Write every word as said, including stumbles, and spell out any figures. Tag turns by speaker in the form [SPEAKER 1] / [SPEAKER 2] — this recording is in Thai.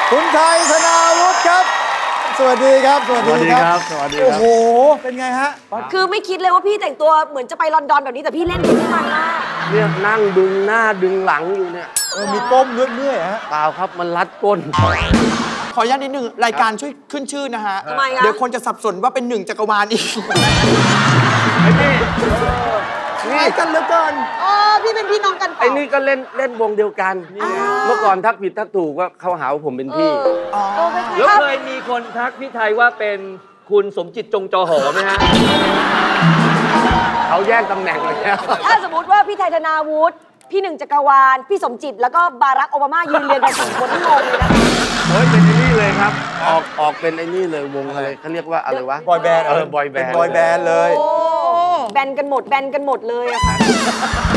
[SPEAKER 1] คุณไทยธนาวุฒิครับสวัสดีครับสวัสดีครับ
[SPEAKER 2] สวัสดีครับ
[SPEAKER 1] โอ้โหเป็นไงฮะ
[SPEAKER 3] คือไม่คิดเลยว่าพี่แต่งตัวเหมือนจะไปลอนดอนแบบนี้แต่พี่เล่นดีที่มันมาก
[SPEAKER 2] เนี่ยนั่งดึงหน้าดึงหลังอยู่เนี่ย
[SPEAKER 1] เออมีก้มเรื่อยๆฮะ
[SPEAKER 2] เปล่าครับมันรัดก้น
[SPEAKER 4] ขออนุญาตนิดนึงรายการช่วยขึ้นชื่อนะฮะ
[SPEAKER 3] ทำไมอะ
[SPEAKER 4] เดี๋ยวคนจะสับสนว่าเป็นหนึ่งจักรวาลอีก
[SPEAKER 2] ไอ้นี่
[SPEAKER 4] คล้ายกันเหลือเกิน
[SPEAKER 3] อ๋อพี่เป็นพี่น้องกัน
[SPEAKER 2] ไอ้นี่ก็เล่นเล่นวงเดียวกันเมื่อก่อนทักผิดทักถูกว่าเขาหาว่าผมเป็นพี่
[SPEAKER 5] แล้วเคยมีคนทักพี่ไทยว่าเป็นคุณสมจิตจงจอหอไหมฮะ
[SPEAKER 2] เขาแย่งตำแหน่งเลยแล้ว
[SPEAKER 3] ถ้าสมมติว่าพี่ไทยธนาวุฒิพี่หนึ่งจักรวาลพี่สมจิตแล้วก็บารักโอบามายืนเรียงกันสี่คนที่งงเลยนะ
[SPEAKER 2] เฮ้ยเป็นไอ้นี่เลยครับออกออกเป็นไอ้นี่เลยวงอะไรเขาเรียกว่าอะไรวะ
[SPEAKER 1] บอยแบนด์
[SPEAKER 2] เออบอยแบนด์
[SPEAKER 1] บอยแบนด์เลย
[SPEAKER 3] แบนกันหมดแบนกันหมดเลยอะค่ะ